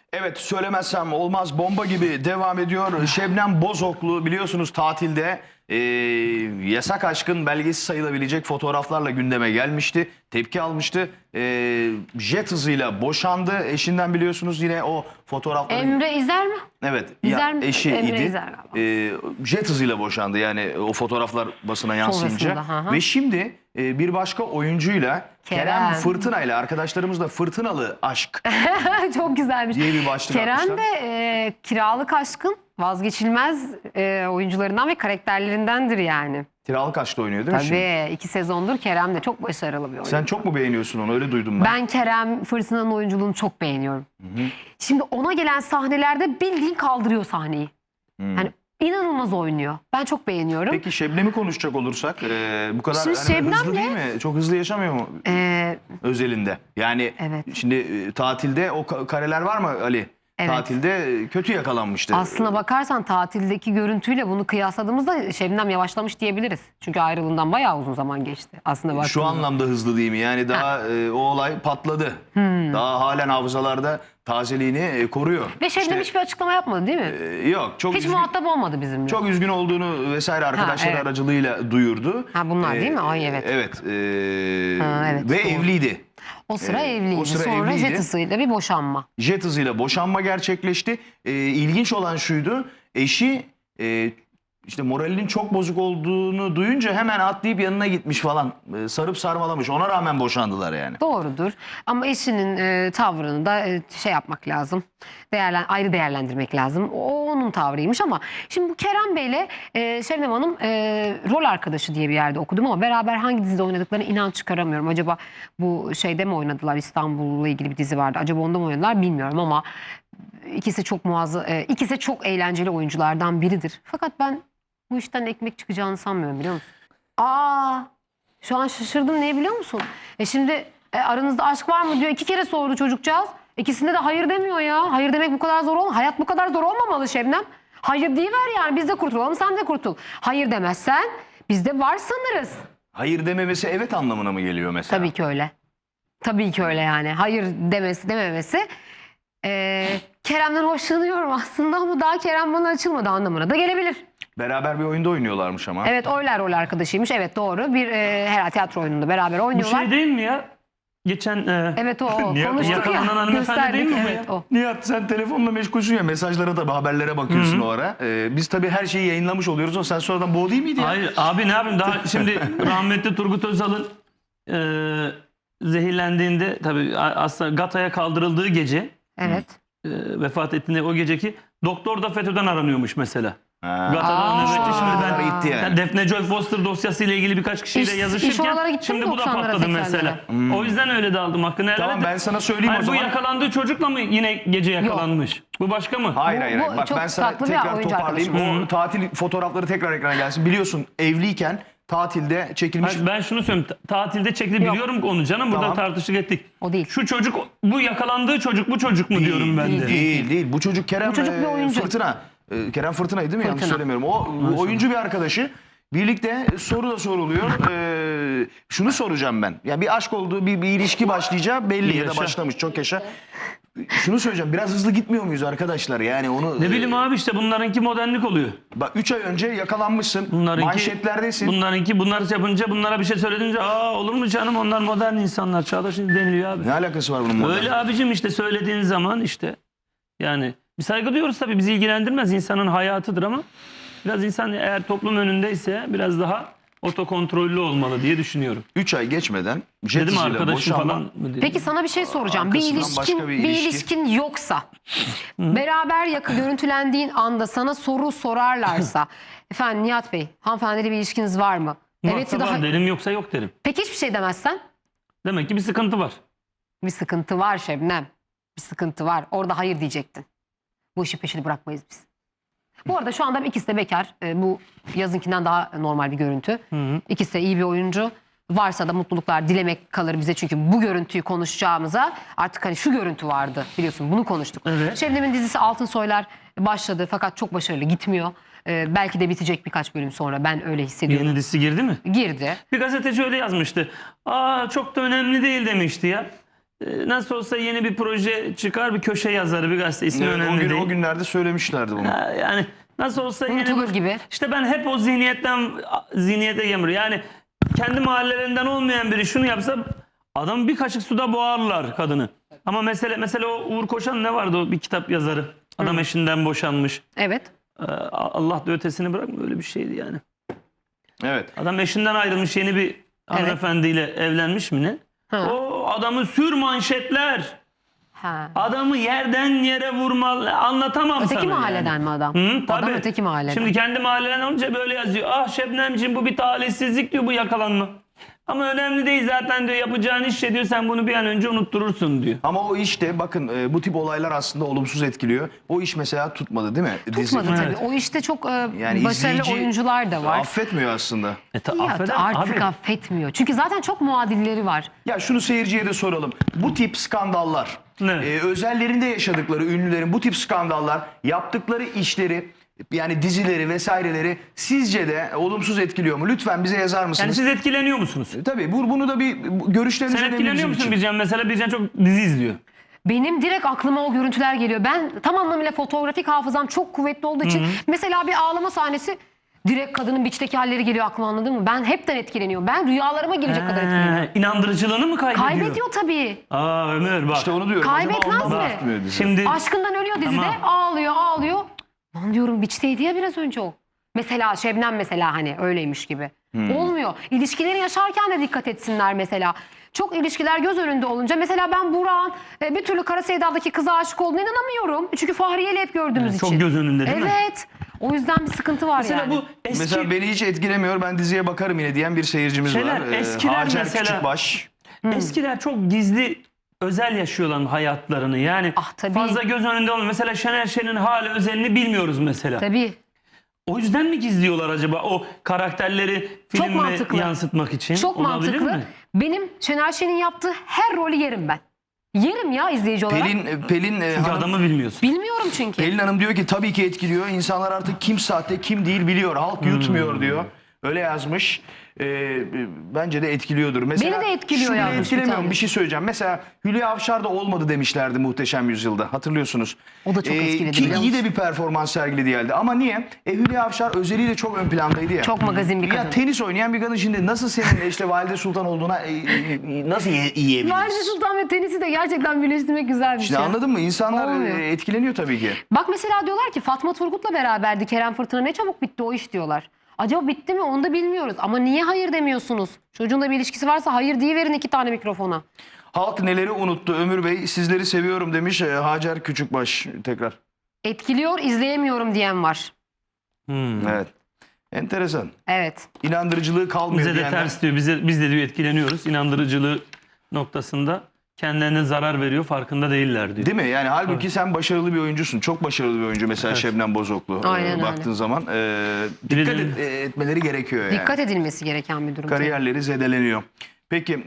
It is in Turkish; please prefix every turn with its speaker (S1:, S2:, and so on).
S1: Evet, söylemezsem olmaz, bomba gibi devam ediyor. Şebnem Bozoklu biliyorsunuz tatilde Yasak Aşk'ın belgesi sayılabilecek fotoğraflarla gündeme gelmişti. Tepki almıştı. Jet hızıyla boşandı. Eşinden biliyorsunuz yine o fotoğrafları...
S2: Emre İzer mi?
S1: Evet,
S2: İzer mi?
S1: eşi
S2: Emre
S1: idi.
S2: İzer galiba.
S1: Jet hızıyla boşandı yani o fotoğraflar basına yansıyınca.
S2: Sonrasında, hı hı.
S1: Ve şimdi bir başka oyuncuyla Kerem
S2: Kerem.
S1: Fırtına ile arkadaşlarımız da Fırtınalı Aşk
S2: Çok güzelmiş.
S1: diye bir başlık
S2: Kerem
S1: atmışlar.
S2: de Kiralık Aşk'ın vazgeçilmez oyuncularından ve karakterlerindendir yani.
S1: Kiralık Aşk'ta oynuyor değil mi şimdi?
S2: Tabii 2 sezondur Kerem de çok başarılı bir oyuncu.
S1: Sen çok mu beğeniyorsun onu? Öyle duydum ben.
S2: Ben Kerem Fırtına'nın oyunculuğunu çok beğeniyorum. Şimdi ona gelen sahnelerde bildiğin kaldırıyor sahneyi. Yani inanılmaz oynuyor. Ben çok beğeniyorum.
S1: Peki Şebnem'i konuşacak olursak bu kadar
S2: Şimdi
S1: hani hızlı
S2: Şebnem'le-
S1: değil mi? Çok hızlı yaşamıyor mu özelinde? Yani
S2: Evet.
S1: şimdi tatilde o kareler var mı Ali?
S2: Evet.
S1: Tatilde kötü yakalanmıştı.
S2: Aslına bakarsan tatildeki görüntüyle bunu kıyasladığımızda Şebnem yavaşlamış diyebiliriz. Çünkü ayrılığından bayağı uzun zaman geçti. Aslında
S1: Şu
S2: baktığımızda.
S1: anlamda hızlı değil mi? Yani daha o olay patladı. Daha halen hafızalarda tazeliğini koruyor.
S2: Ve Şebnem
S1: İşte,
S2: hiçbir açıklama yapmadı değil mi?
S1: yok. Çok
S2: Hiç
S1: üzgün,
S2: muhatap olmadı bizimle.
S1: çok üzgün olduğunu vesaire arkadaşları
S2: evet.
S1: aracılığıyla duyurdu.
S2: Ha, bunlar değil mi? Ay, evet.
S1: Evet.
S2: Ha, evet,
S1: Ve
S2: doğru.
S1: evliydi.
S2: O sıra evliydi.
S1: o sıra
S2: Sonra
S1: evliydi.
S2: jet hızıyla bir boşanma.
S1: Jet hızıyla boşanma gerçekleşti. İlginç olan şuydu. Eşi işte moralinin çok bozuk olduğunu duyunca hemen atlayıp yanına gitmiş falan. Sarıp sarmalamış. Ona rağmen boşandılar yani.
S2: Doğrudur. Ama eşinin tavrını da şey yapmak lazım. Ayrı değerlendirmek lazım. O onun tavrıymış ama şimdi bu Kerem Bey'le Şebnem Hanım rol arkadaşı diye bir yerde okudum ama beraber hangi dizide oynadıklarını inan çıkaramıyorum. Acaba bu şeyde mi oynadılar? İstanbul'la ilgili bir dizi vardı. Acaba onda mı oynadılar bilmiyorum ama ikisi çok ikisi çok eğlenceli oyunculardan biridir. Fakat ben bu işten ekmek çıkacağını sanmıyorum, biliyor musun? Şu an şaşırdım, ne biliyor musun? Şimdi aranızda aşk var mı diyor. 2 kere sordu çocukcağız. İkisinde de hayır demiyor ya. Hayır demek bu kadar zor olmamalı. Hayat bu kadar zor olmamalı Şebnem. Hayır deyiver yani, biz de kurtulalım, sen de kurtul. Hayır demezsen biz de var sanırız.
S1: Hayır dememesi evet anlamına mı geliyor mesela?
S2: Tabii ki öyle. Tabii ki öyle yani. Hayır dememesi. Kerem'den hoşlanıyorum aslında ama daha Kerem bana açılmadı anlamına da gelebilir.
S1: Beraber bir oyunda oynuyorlarmış ama.
S2: Evet, oylar rol arkadaşıymış. Evet, doğru. Bir herhalde tiyatro oyununda beraber
S3: Bu
S2: oynuyorlar.
S3: şey değil mi ya? Geçen
S2: Evet, o.
S1: Nihat
S2: Konuştuk
S3: yakalanan
S2: ya.
S3: hanımefendi
S2: Gösterdik.
S3: değil mi bu
S2: Evet,
S3: ya?
S2: o.
S1: Nihat, sen telefonla meşgulsün ya, mesajlara da haberlere bakıyorsun o ara. Biz tabii her şeyi yayınlamış oluyoruz ama sen sonradan bu o değil miydi ya?
S3: Hayır abi, ne yapayım, daha şimdi rahmetli Turgut Özal'ın zehirlendiğinde tabii aslında Gata'ya kaldırıldığı gece,
S2: Evet.
S3: vefat ettiğinde o geceki doktor da FETÖ'den aranıyormuş mesela.
S1: Ha.
S3: Gata'dan nöbetçi. Şimdi ben
S1: gitti yani.
S3: Defne Joy Foster dosyasıyla ilgili birkaç kişiyle
S2: İş
S3: yazışırken
S2: oralara gitti
S3: şimdi
S2: mi
S3: bu da
S2: 90'lara,
S3: patladı
S2: 80'lere?
S3: mesela. O yüzden öyle de aldım hakkını helal
S1: Tamam,
S3: et.
S1: ben sana söyleyeyim
S3: Hayır,
S1: o zaman.
S3: bu yakalandığı çocukla mı yine gece yakalanmış? Bu başka mı?
S1: Hayır
S2: Bu-
S1: hayır.
S2: bu
S1: Bak,
S2: çok
S1: ben sana
S2: tatlı bir
S1: tekrar
S2: oyuncu
S1: toparlayayım.
S3: arkadaşım.
S1: O tatil fotoğrafları tekrar ekrana gelsin. Biliyorsun evliyken tatilde çekilmiş.
S3: Hayır, ben şunu söyleyeyim. Tatilde çekti,
S2: Yok.
S3: biliyorum onu canım. Burada
S1: Tamam.
S3: tartışık ettik.
S2: O değil.
S3: Şu çocuk, bu yakalandığı çocuk, bu çocuk mu diyorum ben de.
S1: Değil. Bu çocuk Kerem
S2: Bu çocuk bir oyuncu.
S1: Fırtına. Kerem Fırtına'ydı değil mi? Yanlış
S2: Fırtına.
S1: söylemiyorum. O oyuncu bir arkadaşı. Birlikte soru da soruluyor. Şunu soracağım ben. Ya bir aşk olduğu, bir ilişki başlayacağı belli ya da
S3: Yaşa.
S1: başlamış. Çok yaşa. Şunu söyleyeceğim. Biraz hızlı gitmiyor muyuz arkadaşlar? Yani onu...
S3: Ne bileyim abi, işte bunlarınki modernlik oluyor.
S1: Bak 3 ay önce yakalanmışsın. Manşetlerdesin.
S3: Bunlar yapınca, bunlara bir şey söylediğince olur mu canım, onlar modern insanlar, çağdaş deniliyor abi.
S1: Ne alakası var bunun modern?
S3: Öyle abicim, işte söylediğin zaman işte yani bir saygı duyuyoruz tabii, bizi ilgilendirmez, insanın hayatıdır ama biraz insan eğer toplum önündeyse biraz daha otokontrollü olmalı diye düşünüyorum.
S1: 3 ay geçmeden jet
S3: Dedim
S1: hızıyla
S3: arkadaşım
S1: boşanma.
S3: falan mı diye.
S2: Peki sana bir şey soracağım.
S1: Arkasından başka bir
S2: Bir
S1: ilişki.
S2: ilişkin yoksa, beraber görüntülendiğin anda sana soru sorarlarsa, efendim Nihat Bey, hanımefendiyle bir ilişkiniz var mı? Evet ya da
S3: Varsa var
S2: hayır.
S3: derim, yoksa yok derim.
S2: Peki hiçbir şey demezsen?
S3: Demek ki bir sıkıntı var.
S2: Bir sıkıntı var Şebnem. Bir sıkıntı var. Orada hayır diyecektin. Bu işi peşini bırakmayız biz. Bu arada şu anda ikisi de bekar. Bu yazınkinden daha normal bir görüntü. İkisi de iyi bir oyuncu. Varsa da mutluluklar dilemek kalır bize. Çünkü bu görüntüyü konuşacağımıza artık hani şu görüntü vardı. Biliyorsun, bunu konuştuk.
S3: Evet.
S2: Şebnem'in dizisi Altın Soylar başladı fakat çok başarılı gitmiyor. Belki de bitecek birkaç bölüm sonra. Ben öyle hissediyorum.
S3: Yeni dizisi girdi mi?
S2: Girdi.
S3: Bir gazeteci öyle yazmıştı. Çok da önemli değil demişti ya. Nasıl olsa yeni bir proje çıkar, bir köşe yazarı, bir gazete, ismi önemli değil.
S1: O günlerde söylemişlerdi bunu.
S3: Yani nasıl olsa yeni
S2: Unutulur gibi.
S3: İşte ben hep o zihniyete gemir. Yani kendi mahallelerinden olmayan biri şunu yapsa adam bir kaşık suda boğarlar kadını. Ama mesela o Uğur Koşan ne vardı, o bir kitap yazarı. Adam eşinden boşanmış.
S2: Evet.
S3: Allah da ötesini bırakma, öyle bir şeydi yani.
S1: Evet.
S3: Adam eşinden ayrılmış, yeni bir hanımefendiyle evlenmiş mi ne?
S2: Ha.
S3: O adamı sür manşetler.
S2: Ha.
S3: Adamı yerden yere vurmalı. Anlatamam
S2: Öteki
S3: sana
S2: mahalleden
S3: yani.
S2: mi adam?
S3: Hı, tabii.
S2: Adam öteki mahalleden.
S3: Şimdi kendi mahalleden olunca böyle yazıyor. Ah Şebnemciğim, bu bir talihsizlik diyor, bu yakalanma. Ama önemli değil zaten diyor, yapacağın iş diyor, sen bunu bir an önce unutturursun diyor.
S1: Ama o işte bakın bu tip olaylar aslında olumsuz etkiliyor. O iş mesela tutmadı değil mi?
S2: Tutmadı tabii.
S3: Evet.
S2: O işte çok
S1: Yani
S2: başarılı
S1: izleyici
S2: oyuncular da var.
S1: affetmiyor aslında.
S2: Ya
S3: Affeder
S2: artık
S3: abi.
S2: affetmiyor. Çünkü zaten çok muadilleri var.
S1: Ya şunu seyirciye de soralım. Bu tip skandallar,
S3: Evet.
S1: özellerinde yaşadıkları ünlülerin bu tip skandallar, yaptıkları işleri, yani dizileri vesaireleri sizce de olumsuz etkiliyor mu? Lütfen bize yazar
S3: Yani
S1: mısınız?
S3: siz etkileniyor musunuz?
S1: Tabii bunu da bir görüşleriniz
S3: Sen
S1: önemli
S3: etkileniyor
S1: bizim
S3: musun
S1: için.
S3: Bircan? Mesela Bircan çok dizi izliyor.
S2: Benim direkt aklıma o görüntüler geliyor. Ben tam anlamıyla fotoğrafik hafızam çok kuvvetli olduğu için mesela bir ağlama sahnesi direkt kadının biçteki halleri geliyor aklıma, anladın mı? Ben hepten etkileniyorum. Ben rüyalarıma girecek kadar etkileniyorum.
S3: İnandırıcılığını mı kaybediyor?
S2: Kaybediyor tabii.
S3: Aa Ömer bak.
S1: İşte onu diyorum.
S2: Kaybetmez
S1: Acaba ondan
S2: mi?
S1: mı tutmuyor dizi?
S3: Şimdi
S2: Aşkından ölüyor dizide.
S3: Tamam.
S2: Ağlıyor. Lan diyorum, biçteydi ya biraz önce o. Mesela Şebnem mesela hani öyleymiş gibi. Olmuyor. İlişkileri yaşarken de dikkat etsinler mesela. Çok ilişkiler göz önünde olunca mesela ben Burak'ın bir türlü Kara Sevda'daki kıza aşık olduğuna inanamıyorum. Çünkü Fahriye'yle hep gördüğümüz için.
S3: çok göz önünde değil mi?
S2: Evet. O yüzden bir sıkıntı var
S3: Mesela
S2: yani.
S3: bu eski
S1: Mesela beni hiç etkilemiyor. Ben diziye bakarım yine diyen bir seyircimiz
S3: Şeyler,
S1: var.
S3: eskiler
S1: Hacer
S3: mesela-
S1: Küçükbaş.
S3: eskiler çok gizli, özel yaşıyorlar hayatlarını. Yani
S2: Ah, tabii.
S3: fazla göz önünde olmuyor. Mesela Şener Şen'in hali özelini bilmiyoruz mesela.
S2: Tabii.
S3: O yüzden mi gizliyorlar acaba o karakterleri
S2: Çok
S3: filme
S2: mantıklı.
S3: yansıtmak için?
S2: Çok
S3: Olabilir
S2: mantıklı.
S3: mi?
S2: Benim Şener Şen'in yaptığı her rolü yerim ben. Yerim ya izleyici olarak.
S1: Pelin
S3: Çünkü
S1: Hanım,
S3: adamı bilmiyorsun.
S2: Bilmiyorum çünkü.
S1: Pelin Hanım diyor ki tabii ki etkiliyor. İnsanlar artık kim sahte kim değil biliyor. Halk yutmuyor diyor. Öyle yazmış. Bence de etkiliyordur. Mesela
S2: Beni de etkiliyor
S1: şu bile
S2: yazmış bir
S1: etkilemiyor mu?
S2: tane.
S1: Bir şey söyleyeceğim. Mesela Hülya Avşar da olmadı demişlerdi Muhteşem Yüzyıl'da. Hatırlıyorsunuz.
S2: O da çok etkiledi,
S1: Ki
S2: biliyor
S1: iyi
S2: musun?
S1: de bir performans sergiledi geldi. Ama niye? Hülya Avşar özeliyle çok ön plandaydı ya.
S2: Çok magazin bir kadın.
S1: Ya tenis oynayan bir kadın şimdi nasıl senin işte Valide Sultan olduğuna nasıl yiyebiliriz?
S2: Valide Sultan ve tenisi de gerçekten birleştirmek güzelmiş
S1: İşte
S2: ya.
S1: anladın mı? İnsanlar
S2: Olmuyor.
S1: etkileniyor tabii ki.
S2: Bak mesela diyorlar ki Fatma Turgut'la beraberdi Kerem Fırtına, ne çabuk bitti o iş diyorlar. Acaba bitti mi onu da bilmiyoruz. Ama niye hayır demiyorsunuz? Çocuğun bir ilişkisi varsa hayır diyiverin 2 tane mikrofona.
S1: Halk neleri unuttu Ömür Bey? Sizleri seviyorum demiş Hacer Küçükbaş tekrar.
S2: Etkiliyor, izleyemiyorum diyen var.
S1: Evet. Enteresan.
S2: Evet.
S1: İnandırıcılığı kalmıyor
S3: Bize de
S1: diyenler.
S3: ters diyor. Biz de diyor etkileniyoruz. İnandırıcılığı noktasında kendilerine zarar veriyor, farkında değiller diyor.
S1: Değil mi? Yani halbuki sen başarılı bir oyuncusun. Çok başarılı bir oyuncu mesela Şebnem Bozoklu.
S2: Aynen öyle.
S1: Baktığın zaman dikkat
S3: Birilerinin-
S1: etmeleri gerekiyor yani.
S2: Dikkat edilmesi gereken bir durum. tabii.
S1: Kariyerleri zedeleniyor. Peki